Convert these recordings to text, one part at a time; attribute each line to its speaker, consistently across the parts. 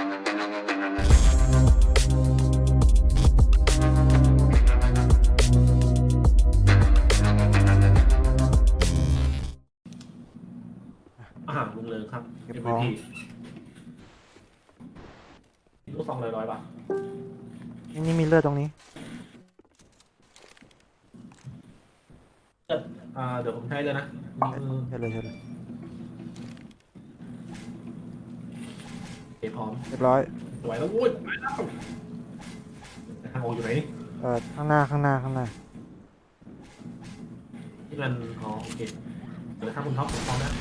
Speaker 1: อาหารลุงเลิงครับ
Speaker 2: เก็บของ
Speaker 1: ลูกซองร้อยบาท
Speaker 2: นี่มีเลือดตรงนี้
Speaker 1: เดี๋ยวผมใช้เลยนะ
Speaker 2: ใช่เลยใช่เลย
Speaker 1: เก็บพร้อม
Speaker 2: เรียบร้อย
Speaker 1: สวยแล้ววุ้ยไปแล้วทางออกอยู่ไหนนี่
Speaker 2: ข้างหน้าข้างหน้าข้างหน้า
Speaker 1: ที่มันอ๋อโอเคเดี๋ยวถ้าคุณท็อปผมพร้อมนะ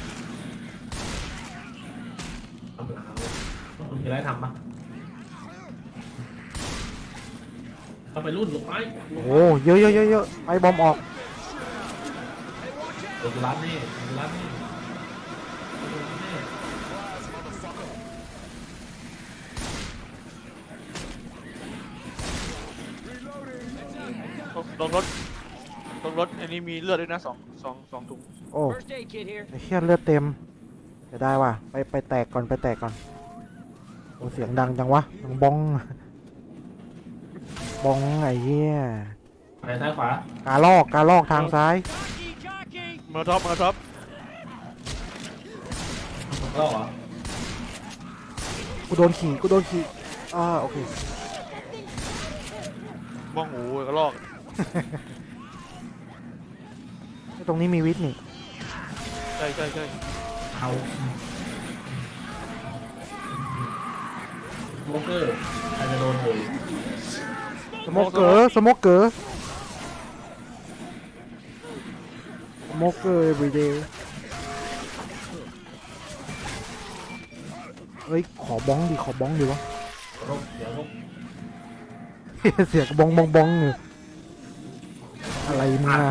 Speaker 1: ทำหลังคุณจะได้ทำปะเอาไปรุ่นลงไป
Speaker 2: โอ้โหเยอะเยอะเยอะเยอะไปบอมออก
Speaker 1: เดี๋ยวร้านนี่ร้านนี่
Speaker 3: ลงรถอันนี้มีเลือดด้วยนะสองถุง
Speaker 2: โอ้ไอ้เหี้ยเลือดเต็มจะได้ว่ะไปแตกก่อนไปแตกก่อนโอ้เสียงดังจังวะดังบ้องบ้องไอ้เหี้ย
Speaker 1: ไปซ้ายขวาก
Speaker 2: าลอกทางซ้าย
Speaker 3: มาท็อป
Speaker 1: ก็เหรอ
Speaker 2: กูโดนขี่โอเค
Speaker 3: บ้องหูกระลอก
Speaker 2: ตรงนี้มีวิทย์นี่
Speaker 3: ใช่
Speaker 1: เอาโมเกอร์ใครจะโดนเลย
Speaker 2: สโมกเกอร์everyday เฮ้ยขอบ้องดิวะ
Speaker 1: เดี๋ยว
Speaker 2: เสียงบ้องอยู่อะไรมึงอะ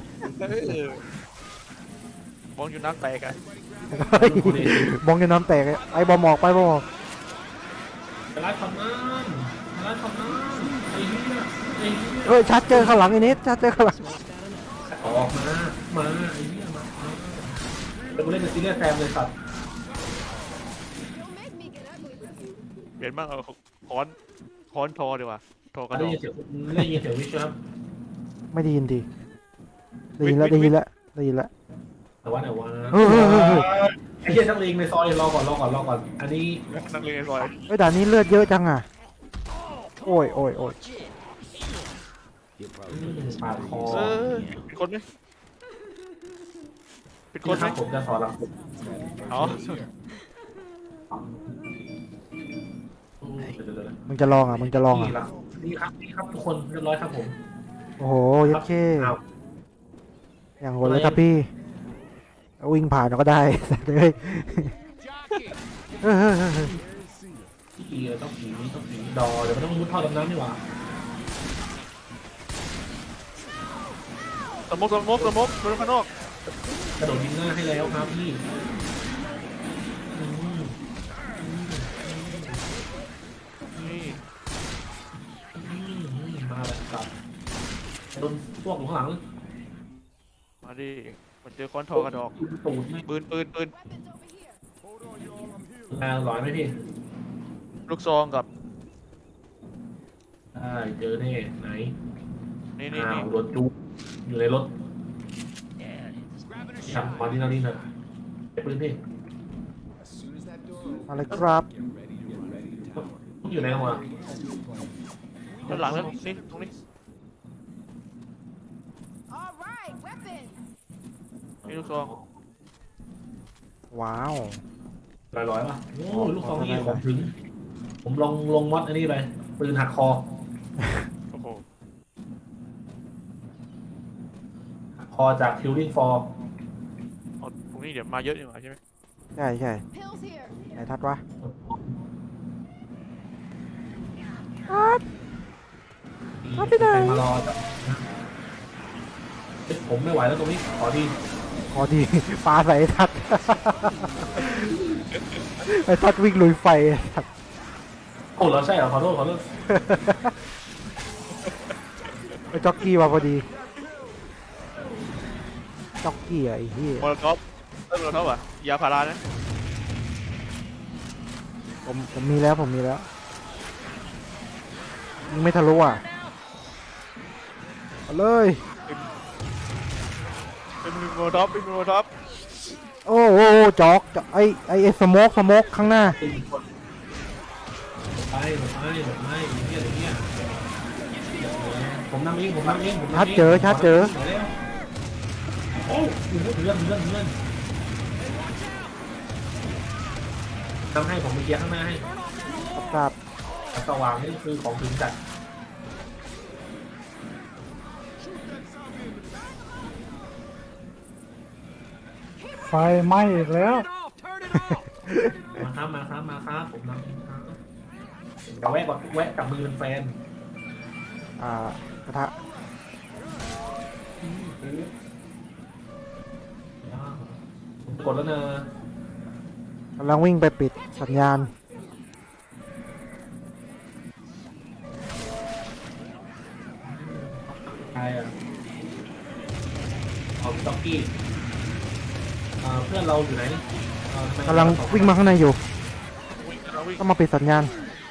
Speaker 3: บ้องอยู่น้ำแตกอะ
Speaker 2: เฮ้ยบ้องจะน้ำแตกไอ้บอมออกไปบอมออก
Speaker 1: จะรัดทำนั่นไอ้เหี้ย
Speaker 2: เฮ้ยชัดเจอข้างหลังไอ้นิดชัดเจอข้างหลัง
Speaker 1: ออกมาไอ้เหี้ยมาเป็นกูเล่นเป็นซีเรียสแฟมเลยสัตว์
Speaker 3: เปลี่ยนบ้างเอาค้อนทอดีกว่าทอกระด
Speaker 1: ได้
Speaker 3: อง
Speaker 1: ยินเสียงวิชครับ
Speaker 2: ไม่ได้ยินดีได้ยินแล้ว
Speaker 1: แต่ว่าไ
Speaker 2: เ
Speaker 1: อ้เหี้ยนักเลงในซอยรอก่อนอันนี้
Speaker 3: นั่งเรียนในซอย
Speaker 2: เฮ้ยด่านนี้เลือดเยอะจังอ่ะโอ้ย
Speaker 1: ปาดคอ
Speaker 3: เป็นคนไหม
Speaker 1: ครับผมจะสอนหลังผม
Speaker 3: อ๋อ
Speaker 2: มึงจะลองอ่ะ
Speaker 1: นี่ครับทุกคนเรียบร้อยครับผม
Speaker 2: โอ้โหยัดเข้อย่างโหดเลยครับพี่วิ่งผ่านเราก็ได้เลยเฮ้ย
Speaker 1: ผีต้องผีดอเดี๋ยวมันต้องมุดท่อดำน้ำนี่หว่า
Speaker 3: สมกโดนข้างนอก
Speaker 1: กระโดดยิงหน้าให้แล้วครับพี่
Speaker 3: นี่
Speaker 1: มาแบบสับโดนพวกอยู่ข้างหลัง
Speaker 3: มาดิมันเจอค้อนทอกระดอก
Speaker 1: ตูด
Speaker 3: ปืน
Speaker 1: ร้อยไหมพี่
Speaker 3: ลูกซองกับ
Speaker 1: ได้เจอแน่ไหน
Speaker 3: นี่
Speaker 1: รถจุกอยู่ในรถขับมาที่นั่นนะไอ้ปืนพี่
Speaker 2: อะไรครับ
Speaker 1: อยู่ไหนวะ
Speaker 3: ด้านหลังแล้วนี่ตรงนี้
Speaker 4: All right, weapons.
Speaker 3: นี่ลูกซอง
Speaker 2: ว้าว
Speaker 1: ร้อยป่ะโอ้ลูกซองนี่ผมถึงผมลงวัดอันนี้ไปปืนหักคอ
Speaker 3: โอ้โห
Speaker 1: คอจาก Killing Floor
Speaker 3: ตรงนี้เดี๋ยวมาเยอะอยู่ใช่ไหม
Speaker 2: ใช่
Speaker 4: Pills here.
Speaker 2: ไหนทัดวะ
Speaker 1: ไปมารอจ้ะผมไม่ไหวแล้วตรงนี้ขอดี
Speaker 2: พอดีปลาใส่ไอ้ทัดไอ้ทัดวิ่งลุยไฟไอ้ทัด
Speaker 1: โอ้เราใช่เหรอขอโทษ
Speaker 2: ไอ้จ็อกกี้มาพอดีจ็อกกี้อะไอ้เหี้ย
Speaker 3: มอลท็อปอ่ะยาพารานะ
Speaker 2: มผมมีแล้วผมมีแล้วยิงไม่ทะลุอ่ะเอาเลย
Speaker 3: เป็นโมท็อปเป็นโมท็อป
Speaker 2: โอ้โหจอกไอสโมกข้างหน้า
Speaker 1: ตีคนไปหมดไปอย่างเงี้ยอย่างเงี้ยผมนำเองผมนำเองผมนำเอง
Speaker 2: ชัดเจอ
Speaker 1: โอ้โหเลื่อนทำให้ผมไปเคลียร์ข้างหน้าให้
Speaker 2: ครับ
Speaker 1: สว่างนี่คือของถึงจัด
Speaker 5: ไฟไหม้อีกแล้ว
Speaker 1: มาครับผมนำเองครับเดี๋ยวแวะกับมือเป็นแฟน
Speaker 2: กระทะ
Speaker 1: ผมกดแล้วเนอะ
Speaker 2: กำลังวิ่งไปปิดสัญญาณ
Speaker 1: ใครอ่ะเอาต็อกกี้เพื่อนเราอยู่ไหนทำไม
Speaker 2: กำลังวิ่งมาข้างในอยู่
Speaker 3: วิ่งเราวิ่ง
Speaker 2: ต้องมาปิดสัญญาณ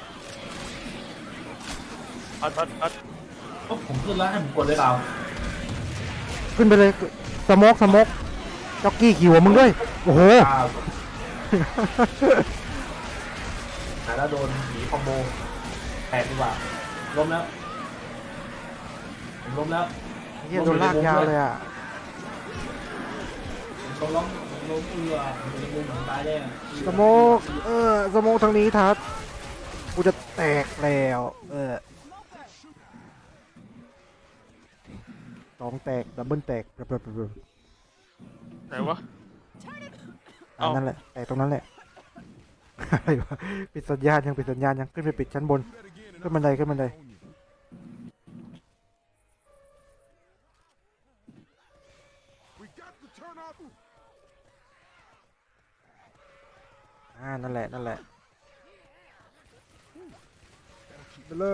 Speaker 3: อัด
Speaker 1: ผมขึ้นแล้วให้ผมกดเลยเรา
Speaker 2: ขึ้นไปเลยสโมกจ็อกกี้ขี่หัวมึงด้วยโอ้โห
Speaker 1: หาแล้วโดนหนีคอมโบแตกดีกว่าล้มแล้วผมล้มแล้ว
Speaker 2: เฮียโดนลากยาวเลยอ่ะ
Speaker 1: ผมล้มเอือมันจะมุมหลังตายแน่
Speaker 2: สโมกสโมกทางนี้ทัดกูจะแตกแล้วสองแตกดับเบิลแตก
Speaker 3: ไหนวะ เอ้า
Speaker 2: นั่นแหละแตกตรงนั้นแหละ อะไรวะปิดสัญญาณยังขึ้นไปปิดชั้นบนขึ้นบันไดนั่นแหละไปเลย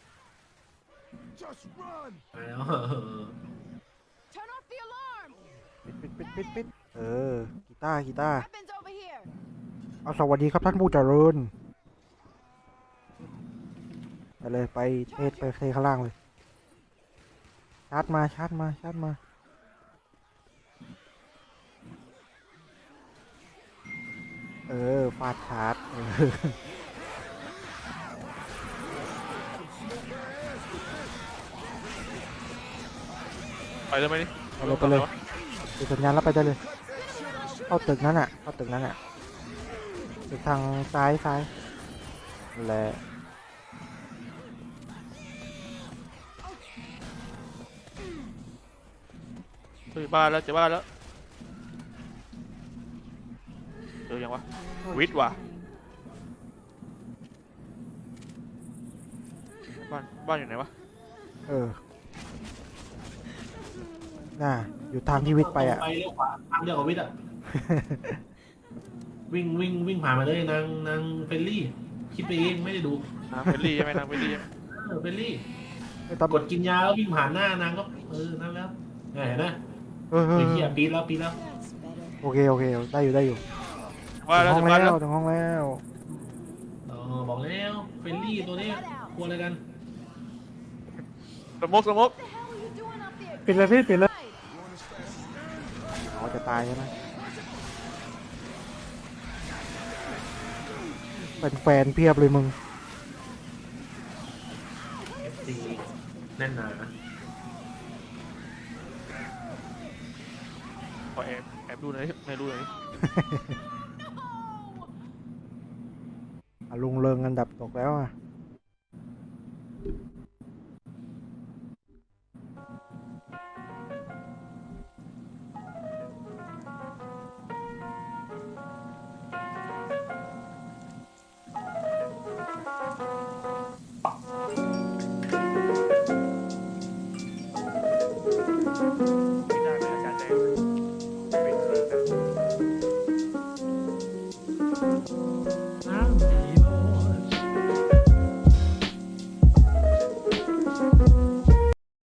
Speaker 1: แล้ว
Speaker 4: Turn off the alarm.
Speaker 2: ปิดกีตาร์
Speaker 4: Weapons over here.
Speaker 2: เอาสวัสดีครับท่านผู้เจริญไปเลยไปเทข้างล่างเลยชาร์จมาฟาดชาร์จ
Speaker 3: ไปได้ไหมนี่
Speaker 2: ไปเลยปิดสัญญาณแล้วไปได้เลยเข้าตึกนั้นอ่ะตึกทางซ้ายและ
Speaker 3: เจอบ้านแล้วเจอยังวะวิทย์ว่ะบ้านอยู่ไหนวะ
Speaker 2: น่ะอยู่ทางที่วิทย์ไปอ่ะ
Speaker 1: ไปเลี้ยวขวาทางเดียวกับวิทย์อ่ะ วิ่งผ่านมาเลยนางเฟลลี่คิดไปเองไม่ได้ดู
Speaker 3: นางเฟลลี่ใช่ไหมนางเฟลลี่ใช่ไหม
Speaker 1: เฟลลี่
Speaker 2: ไม่ต้อง
Speaker 1: กดกินยาแล้ววิ่งผ่านหน้านางก็นั่นแล้วเห็นไหม
Speaker 2: เออ
Speaker 1: ไอ้เหี้ยปีแล้ว
Speaker 2: โอเคได้อยู่
Speaker 3: ว่าแล้ว
Speaker 2: ถึ
Speaker 3: ถึ
Speaker 2: ง
Speaker 3: ง
Speaker 2: ห้
Speaker 3: บ้านแล้ว
Speaker 2: องแล้ว
Speaker 1: บอกแล้วเฟลลี่ตัวนี้กลัวอะไรกัน
Speaker 3: สมก
Speaker 4: What the hell are you doing up there?
Speaker 5: ปิดเลยพี่ปิดเลย
Speaker 2: อ๋อจะตายใช่ไหมเป็นแฟนเพียบเลยมึง
Speaker 1: FC แน่นหนา
Speaker 3: ขอแอบดูหน่อยในรูหน่อย
Speaker 2: ลุงเริงอันดับตกแล้วอ่ะ
Speaker 4: No.